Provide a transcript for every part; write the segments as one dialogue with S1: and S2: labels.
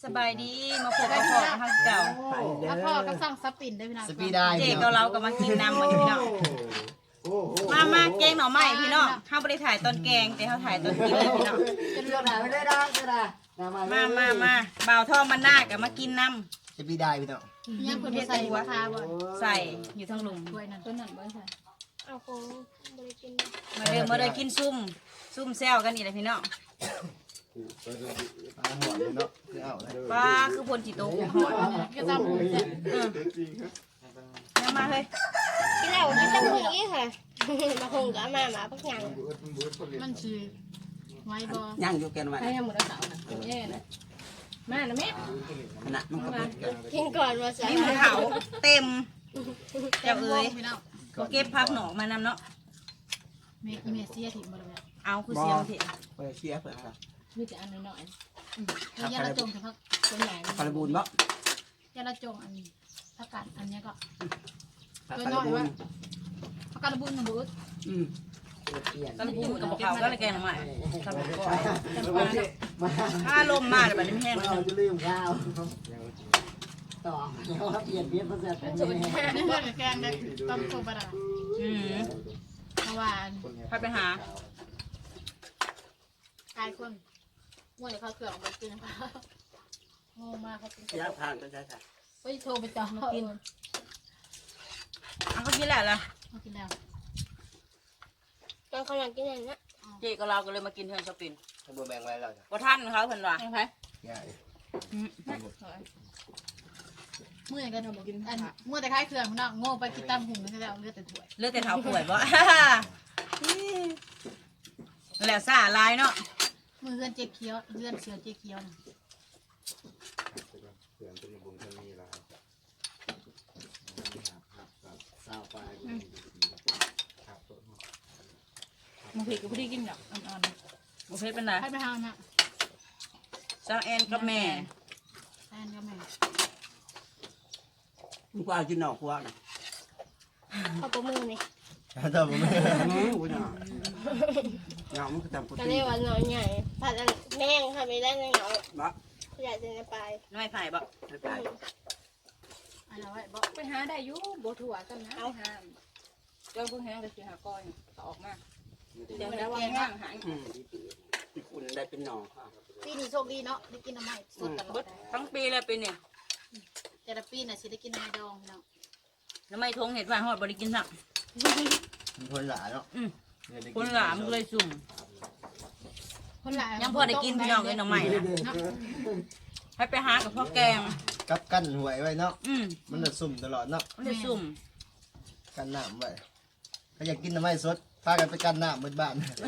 S1: สบายดีมาพบกับพ่อกับทางเก่า
S2: แล้วพ่อก็สั่งสปินได้พี่น้อง
S3: สปีได้
S1: เจ๊กับเราก็มากินน้ำมันพี่น้องมาแกงหน่อไม้พี่น้องข้าวบริถ่ายตอนแกงแต่เขาถ่ายตอนกินเลยพี่น้อง
S3: เลือกหนาไม่ได้ดังก็ได้
S1: มาบ่าวทองมันหน้ากับมากินน้
S3: สปีได้พี่น้อง
S2: ยังคนใส่หัวคาบ่
S1: ำใส่อยู่ทั้งหลุม
S2: ถ้วยนั้นต้นนั้นบ่ใส่
S4: เอาคงบริกิน
S1: มาเดินกินซุ่มแซวกันอีกเลยพี่น้อง
S3: ปลาหัวเลยเนาะคือเอาเลย
S1: ปลาคือพลจิโตหอย
S2: ก็จำเสร็จ
S1: มาเลย
S4: กินแล้วกินตั้งมืออีกค่ะมาคงกับมาหมาพักหยัง
S2: มันชื่อไว้บ่
S5: ย่างอยู่แกนวัน
S2: ใครทำหมดแล้วเสาน่ะแย่นะมาแล้วแม่
S5: ขณะมันก็เบิดกัน
S4: กินก่อนมาใส่
S1: นี่หมูเขาเต็มเจ้าเอ๋ย
S2: พี่น้อง
S1: เก็บพักหนอกมานำเนาะ
S2: เมเสียถิ่มบ่ได้
S1: เอาคือเสียงเถอะ
S5: เปิดเชียร์เปิดครับ
S2: มีแต่อันน้อยๆแล้วยาละจงเฉพาะตัวใหญ่
S5: คาราบูนบ่
S2: ยาละจงอันผักกาดอันนี้ก็
S5: คาราบูน
S2: ผักกาดบุญนะบุญ
S1: กระปูกับเขาก็เลยแกงหน่อไม้ทำก่อนถ้าลมมาเดี๋ยวมันไม่แห้ง
S3: เราจะลืมข้าวต่อเราเปลี่ยนเปลี่ยนภาษาเป็นยังไง
S2: นี่เพื่อนกับแกงได้ต้มโคบะดา เพราะว่า
S1: ไปหา
S2: ตายคนมั่วเดี๋ยวเขาเกลือออกมากินนะคะโง่มากเขากิน
S5: ย่างผ่านก็ใช่ค่ะ
S2: ไปโทรไปจองมากิน
S1: เอาเขากินแหละล่ะ
S2: มากินแล้ว
S4: ตอนเขาอยากกินอย่างนี้
S1: เจ๊กับเราก็เลยมากินเทือนชอปปิ้ง
S3: ถ้าบัวแบ่งไว้เราจะ
S1: ว่าท่านเขาเพิ่นว่า
S2: ยังไง
S3: ใหญ่
S2: เมื่อกันกินอันเมื่อแต่คล้ายเครื่องคุณน้องโง่ไปกินตำหุ่นนี่แล้วเลือดแต่ถ้วย
S1: เลือกแต่เท้าป่วยบ่แล้วซ่าลายเนาะ
S2: มือเลื่อนเจ๊เคี้ยวเลื่อนเสือเจ๊เคี้ยวนะ
S3: สาวไป
S1: มันผิดกับผู้ที่กินแบบอ่อนๆมันเพชรเป็นไร
S2: ให้ไปทางน่ะ
S1: จ้างแอนกับแม่
S2: แทนก็แม่
S5: มึงก็เอาจินหนอกพวกน่ะ
S4: เขาประมือนี่
S3: ถ้าผมไม่
S5: กูจะเงามันก็ตามกู
S4: ก็
S5: ตี
S4: เรียกว่าหน่อยใหญ่ผัดแม่งทำไปได้ในเหงา
S5: บ่
S4: ใหญ่จะในปลาย
S1: น้อยไผ่บ่
S5: ไม่ไป
S2: อันนั้นไว้บอกไปหาได้อยู่โบถั่วกันนะเอาหา
S1: เจ้าเพิ่งแห้งเลยสิหาก้อยออกมา
S2: เดี๋
S1: เดี๋
S2: ย
S1: ยว ว
S2: แล้
S1: แล้ว ว
S2: ว่า
S1: ว่างหาย
S5: คุณได้เป็นหนอกค่ะ
S2: ปีนี้โชคดีเนาะได้กินน้ำมันสดตลอ
S1: เบิ
S2: ด
S1: ดทั้งปีเลยปีเนี่ย
S2: แต่ละปีน่ะสิได้กินน้ำดองเนาะ
S1: แล้วไม่ทงเห็ดว่าหอดบริกินสัก
S3: คนหลาเนาะ
S1: คนหลามก็เลยสุ่ม
S2: คนหลาย
S1: ยังพอได้กินพี่น้องเลยหน่อไม้นะให้ไปหากับพ่อแกง
S3: กับกั้นหวยไว้เนาะ
S1: อืม
S3: มันจะสุ่มตลอดเนาะ
S1: มันเลยสุ่ม
S3: กันน้ำไว้ถ้าอยากกินน้ำไม้สดพากันไปกันน้ำบนบ้าน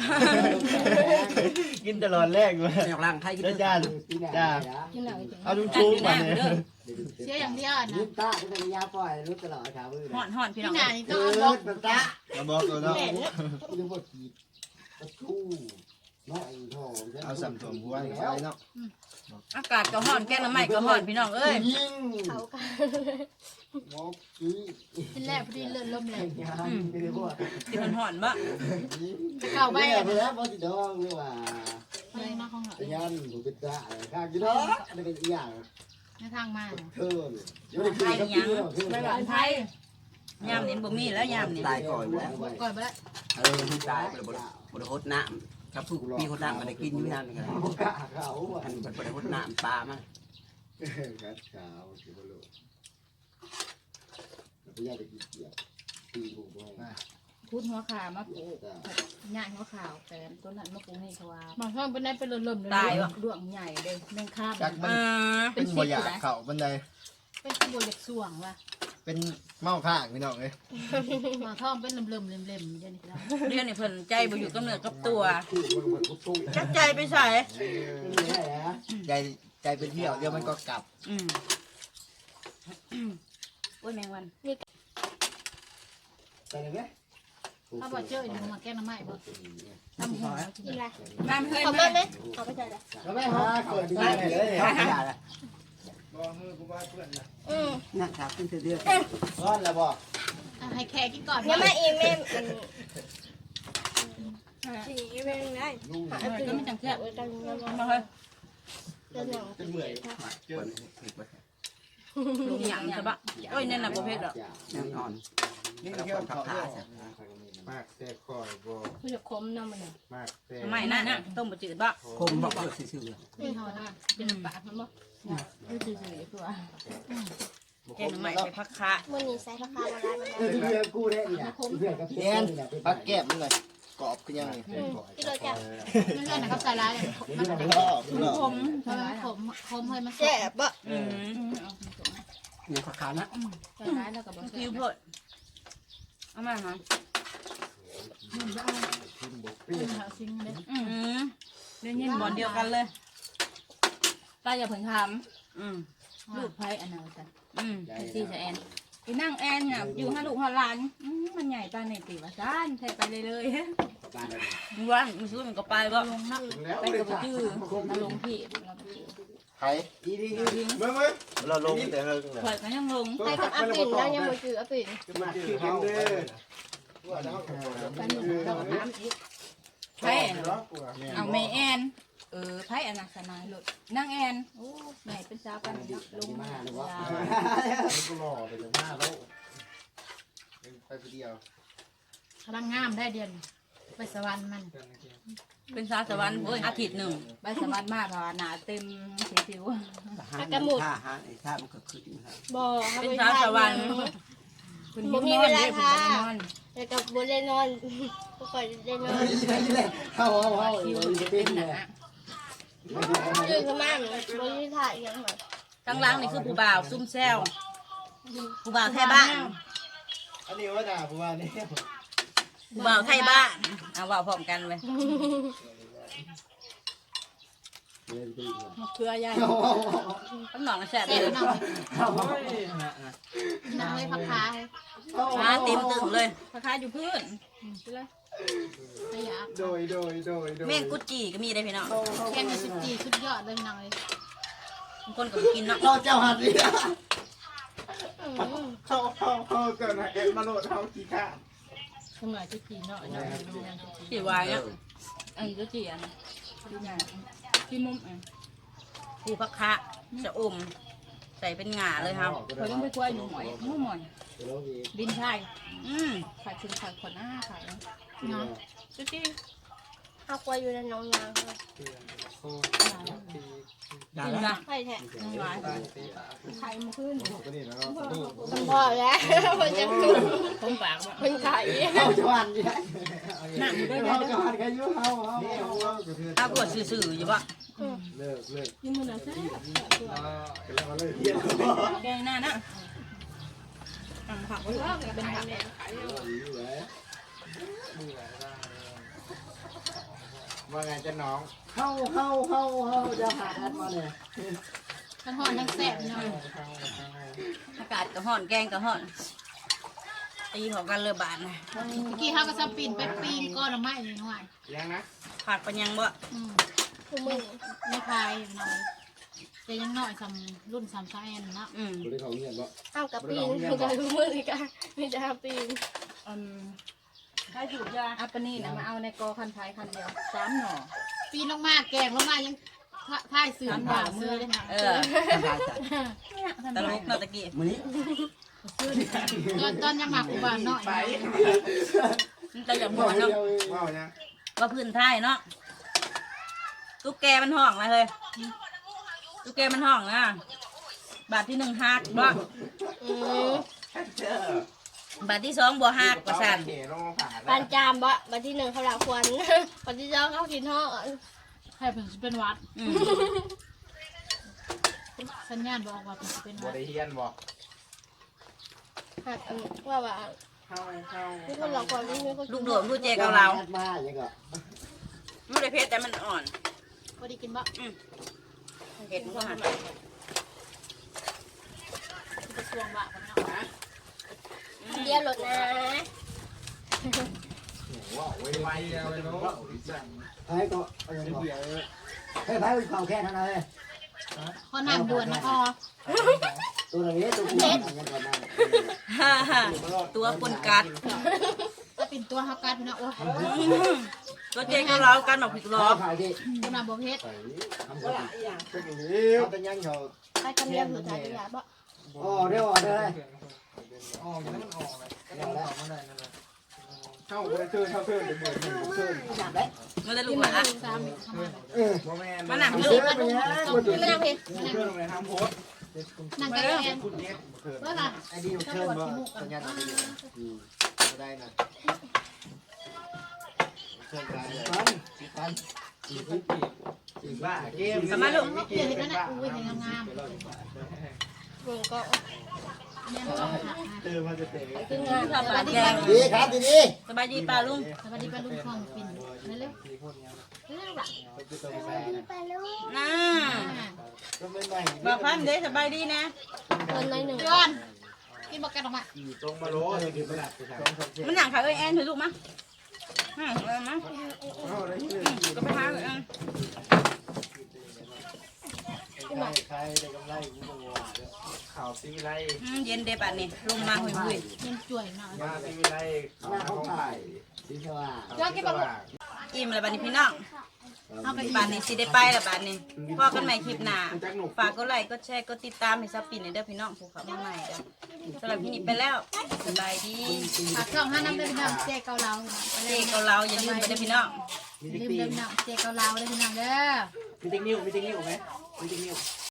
S3: กินตลอดแรกเลย
S5: ไม่ออกร่างไทยกิน
S3: เด้อจ้าจ้า
S2: กินแล้ว
S3: เอาดูชูมาเนี่ย
S2: เสียอย่างเดียวนะ
S6: ยิ้มตาที่เป็นยาปล่อยรู้ตลอดครับ
S1: ห่อนพี่น้
S2: พี่
S1: อง
S2: นายก็
S6: เอ
S2: เอาบ
S6: อ
S2: อก
S6: แบบตา
S3: มาบอกตัวเนาะ
S6: ยังบ่ขีดตะทูน้อยทอง
S3: เอาสัมผัสหัวใส่เนาะ
S1: อากาศก็ห่อนแกงหน่อไม้ก็ห่อนพี่น้องเอ้ย
S6: ยิง
S4: เขากัน
S6: หมอกกี้
S2: กินแรกพอดีเลื่อนลมแรง
S6: ยาไม่ได้บอก
S1: ที่มันห่อนบ่
S2: จะเข้าไป
S6: ไม่ได้เพราะที่ดองนี่ว่า
S2: ไปนอกห้องหน่อย
S6: ยันผมเป็นตาข้างกินเนาะอันนี้เป็นอย่าง
S2: ในทางมา
S6: เทินยังไม่ได้กินกับพี่เนาะ
S2: ไปหวานไทย
S1: ยามนี้บ่มีแล้วยามนี้
S5: ตายก่อนแล้ว
S2: ก่อนไปแล้ว
S5: มึงตายไปบริโภคน้ำครับผู้มีคนน้ำมาได้กินอยู่นั่นกัน
S6: กะเขาอ่ะ
S5: อันบริโภคน้ำปลามัน
S6: กัดขาวสิบโลพี่ยาได้กินเกี๊ยวตีหูบ่อย
S7: พูดหัวขามาปลูกใหญ่หัวขาวแต่ต้นนั้นมาปลูกให้เขาว่า
S2: บางช่วงเป็นได้เป็นลมๆเลย
S1: ตายบ่
S7: ดวงใหญ่เลยแมงคาบ
S3: จากมัน
S1: เออ
S3: เป็นบ่อยากเข่าบันได
S2: เป็นขบวนเด็กส่วงว่ะ
S3: เป็นเมาข้างพี่น้องเลย
S2: มาท่อมเป็นเลิ่มๆเล่มๆเดี๋ยวนี้แล้ว
S1: เรียนนี่เพิ่นใจบ่อยู่กับเนื้อกับตัว
S6: คู่มันเหมือนคู่
S1: จักใจไปใส่
S6: ไม่ได้ฮะ
S3: ใจไปเที่ยวเดี๋ยวมันก็กลับ
S1: อืมโอ้ยแมงวัน
S6: ไปเลยไหม
S2: เขาบอกเจออยู่มาแก้น้ำไม้บ่ทำหัว
S4: กินอะไร
S1: น้ำเฮ้ย
S4: เขามาไหมเขาไปใส่ละ
S6: ก็ไม่ฮะเกิดได้เลย
S5: ข้าวขยะละนั่งขาขึ้นเรื่อย
S3: ร้อนแล้วบ่
S2: ให้แขกกินก่อน
S4: ยังไม่อีเมมสีเมมได้
S1: ก็ไม่จังแค่
S4: เออจังยัง
S1: มาเฮ้ย
S4: เรื่องหนัง
S6: เป็นเหนื่อย
S5: คนผิดไป
S1: ลุงหยังใช่ปะโอ้ยนั่นน่ะบ่เผ็ดหรอก
S5: แน่นอน
S6: นี่
S5: แล้ว
S6: เที่ย
S5: คว น
S6: เขา
S5: ขับ
S6: เด้
S5: ขา
S6: อ
S5: ใช่
S6: มากแต่คอยบ่
S7: คือจะคมน้ำมันเนี่ย
S6: มากแต่
S1: ไม่น่ะต้มบ่จืดบ่
S5: คมบอกเพื่อซื่อ
S2: นี่เขาว่า
S7: เป็นปากมันบ่คือซื่อๆคือว่า
S1: แกงหน่อไม้ใส่ผักคะ
S4: วันนี้ใส่ราคามาได้มัน
S3: เออที่เพื่อนกูได้นี่นะเพื่อนกับเพื่อนนี่นะ
S6: ปักแก้มมันเลยกรอบคือยังไง
S4: ที่เราจะ
S2: ไม่ใช่นะครับใส่ร้าย
S3: นี่มัน
S6: รอบรอบ
S7: คม
S2: เพราะว่าผมเคยมา
S4: แซ่บบ่
S1: อืม
S5: ๆนี่ขับขานะ
S7: ใส่ร้ายแล้วก็บ่
S1: คิ
S7: ใส่
S1: วโพดเอามาหา
S2: เป็นแถวซิงเลย
S1: อืมเล่นยินบอลเดียวกันเลย
S7: ป้าอย่าเพิ่งท
S1: อืม
S7: ำลูกไผ่อันนั้นจ้ะ
S1: อืม
S7: ซีจะแอนอีนั่งแอนเนี่ยอยู่ห้าลูกห้าหลานมันใหญ่ปานในตีว่าซ่านใส่ไปเลย
S1: มึงว่ามึงซื้อมันก็ไปบ่
S2: ลงนัก
S6: แล้ว
S7: ไปกับจื้อมาลงพี่เราไปจื้อ
S6: ไข่อีนี่เมื่อเราลงแต่เฮิง
S7: ข่อยก็ยังลง
S4: ไปกับอาปิ่นแล้วยังบ่จืออาปิ่น
S6: มาคือเขาเด้อว่าแล้ว
S7: กันหนึ่งต้องน้ำอีกไผ่เอาแม่แอนไผ่อันนั้นสนายรถนั่งแอนโอ้แม่เป็นสาวปานนี้ลงมา
S6: ก็หล่อไปจากหน้าแล้วไปคนเดียว
S2: กำลังงามได้เดือนไปสวรรค์มัน
S1: เป็นสาวสวรรค์อาทิตย์หนึ่ง
S7: ใบสมัติมากเพราะว่าหนาเต็มสิว
S5: ถ้าไอ้ท่ามันก็ขึ้นครับ
S4: บ่ครับ
S1: เป็นสาวสวรรค์
S7: คุณยิ้มนอนเลยคุณจะนอน
S4: แล้วก็บ่ได้นอนบ่ค่อยได้นอน
S3: เข้าอยู่
S7: เต็
S3: เป็น
S7: มห
S3: เนี่
S7: นาย
S4: ตื่นขึ้นมาบ่มีถ่ายอีหยังหรอก
S1: ทั้งหล่างนี่คือผู้บ่าวซุ่มแซวผู้บ่าวไทยบ้าน
S6: อันนี้ว่าด่าผู้ว่านี่
S1: ผู้บ่าวไทยบ้านเอาว่าพร้อมกันเลย
S7: มะเขือยาย
S1: ข้างนอกแซ่บ
S2: เสี
S1: เลย ย
S2: นั่งเลยพักขา
S1: มาเต็มตึงเลย
S7: ราคาอยู่พื้นไปเลย
S2: ขยะ
S6: โดย
S1: แม่งกุดจีก็มีได้พี่น้อง
S2: แกงสุดจีสุดยอดเลยนั่งเลย
S1: บางคนก็กินเนาะ
S3: เราเจ้าหัดนี่
S6: เขาเกิดมาเอ็ดมาโหลดเขาขี้ข้า
S7: สมัยจุจีเนาะ
S1: สีวายเนี่ย
S7: อันจุจีอันที่ไหนที่มุมอ่ะ
S1: ผู้พักคะจะอมใส่เป็นหง่าเลยครับ
S7: เขาต้องไปกล้วยหนูหมอยหมูหมอยบินไทย
S1: อืม
S7: ขายชิ้นขายคนหน้าขาย
S2: เนาะ
S7: จุจี
S4: เฮากลัวอยู่ในน้องยาง
S1: กินนะ
S4: ไข่แท้
S7: น้องหลายขายมาขึ้น
S4: สมพอแล้วมันจะขึ้น
S7: ผมปากว่า
S4: มันไข่
S3: เข้าจังหวัดนี่
S7: หนักอยู่ด้วย
S3: เข้า
S7: นะ
S3: จังหวัดกันยุ่งเขา
S1: ถ้าปวดสื่อๆอยู่ปะ
S6: เลิก
S7: ยิ่งมือหนาแซ่
S6: แล้วมาเลยเฮีย
S7: แกงหน้านะผักเป็นผัก
S6: ว่าไงจะน้อง
S3: เข้าจะหาแอดมาเนี่ย
S2: ทั้งหอนทั้งแซ่บเนาะ
S1: อากาศก็ห่อนแกงก็ห่อนตีเของกันเลยบานนะ
S2: เมื่อกี้เขาก็ซับปีนไปปีนก้อนละไม้เลยหน่อย
S6: ยังนะ
S1: ผัดปัญญังบ่
S4: คือมึง
S2: ไม่คลายหน่อยแต่ยังหน่อยสำรุ่นสามซ้ายนเนาะ
S1: อืม
S6: กูได้เขาเงียบบ่
S4: เอากับปีนมันจะคือมืออีกอ่ะมีแต่ปีน
S7: ถ้าสูบยาอัปปนี่นะมาเอาในกอคันไทยคันเดียว3 หน่อ
S2: ปีนลงมาแกงลงมายังท่ายสื่อบ่ามือเลยนะ
S1: เออ
S5: ทำลายจัด
S1: ตลกเนาะตะกี้
S5: มื้อนี้
S2: ตอนยังหมักกูบ้านเนาะ
S1: มันจะอย่างบ่เนาะ
S6: ว้าวยัง
S1: ว่าพื้นท้ายเนาะตุ๊กแกมันห้องนะเฮ้ยตุ๊กแกมันห้องนะบาทที่1หักบ่ บาทที่2บ่หักว่าซั่น
S6: เขลงมาผ่าน
S4: ปานจามบ่วันที่1เขาหลักควันวันที่2เขากินห่อ
S2: ให้เพิ่นสิเป็นวัด
S1: อืม
S2: สัญญาณบอกว่าเพิ่นสิเป็น
S6: บ่
S2: วัด
S6: ได้เฮียนบ่
S4: หักว่ามีคนหลักควันมีคน
S1: ลูกโดดลูกเจกับเรา
S3: แอดมาอย่างก็
S1: ไม่ได้เผ็ดแต่มันอ่อน
S2: บ่ได้กินบ่
S1: เผ็ดมันก็หัน
S2: กระทรวงบะเนาะ
S4: เดียวรถนะ
S6: ว้าวไวๆเอาไปเนาะ
S3: ให้ก็ให้พายไปข่าวแค่นั้นเลย
S2: พอน้ำด่วนนะพอ
S3: ตัวนี้ตัวนี้ยังก่อนนะ
S1: ฮ่าฮ่าตัวปนกัด
S2: ก็เป็นตัวฮักกัดเนาะโอ้
S1: ตัวเจกับเรากันออกผิดล้อ
S3: ขายดิ
S2: ตัวน้ำบ่เฮ็ด
S6: ใส่
S3: ก็ละอย่าง
S6: เป็นอย่างนี้เขาจะยังเขา
S4: ไปกันเดียวอยู่ถ่ายยาบ่
S3: อ๋อเดี๋ยวเลย
S6: ออกแล้วมันออกเลยก็ต้องออกมาได้นั่นแหละเข้าไปเชิญเข้าเชิญเดี๋ยวเบิดหนึ่งเชิญ
S3: อยากได้
S1: มันจะ
S2: กิ
S1: ลู
S2: น
S1: ก
S2: มา
S1: หมา
S2: 3มื้อทำมา
S6: บ่แม่น
S1: มันหนัก
S3: เ
S1: ลูก
S3: ไปยัง
S4: ไม่นั่งเพลง
S6: เชิญเลยห้ามโพส
S2: นั่งกันแอน
S6: คุณเน็ตเชิญ
S2: ว่าล่ะ
S3: ไอ้ดีเชิญบ่สัญญาณอะไรก็ได้นะเชิญกันปันบ้าเกม
S1: สมาลูก
S2: เปลี่ยนกันนะอุ้ยเห็นงาม
S4: เบิ่งก็
S2: ๆเนี่ยมันต้องหัก
S6: เจอมาจะเตะ
S4: คืองาน
S1: ชอบปลาแกง
S3: ดีครับดี
S1: สบายดีป้าลุง
S2: สวัสดีป้าลุงคลองปิ่นเร็ว
S3: ก็ไม่
S1: น่า
S3: ก็ไม่ใหม่
S1: บอกพันเด้สบายดีนะ
S4: เงินในหนึ่ง
S2: ๆย้อนกินบอกกันออกมา
S6: ตรงมาโลเลยคือประหลาด
S1: มันหนังขาเอ้ยแอนเถอะลูกมั้ยมา
S6: เข้าได้ที่เลย
S1: ก็ไปหาเอ้ย
S6: ใครได้กำไรกูบอกว่าข่าวซีไร
S1: เย็นเดบัดนี่ลงมาหุย
S2: กินจ่วยหน่อย
S6: มาซีไร
S3: หน้าเขาถ่ายสีสว่าง
S2: ย้อนกินบอก
S1: ๆอิ่มแล้วบัดนี้พี่น้องบัดนี้สิได้ไปแล้วบัดนี้พอกันใหม่คลิปหน้าฝากกดไลค์กดแชร์กดติดตามให้ซับปินเด้อพี่น้องผู้เข้ามาใหม่เด้อสำหรับพี่นี่ไปแล้วสบายดี
S2: ผักช่อง5น้ำเป็นพี่น้องเจ๊เกาเหลา
S1: เจ๊กับเราอย่าลืมไปเด้อพี่น้อง
S2: ลืมเดิมพี่น้องเจ๊เกาเหลาเลยพี่น้องเด้อ
S5: มีติ๊กนิ้วไหมมีติ๊กนิ้ว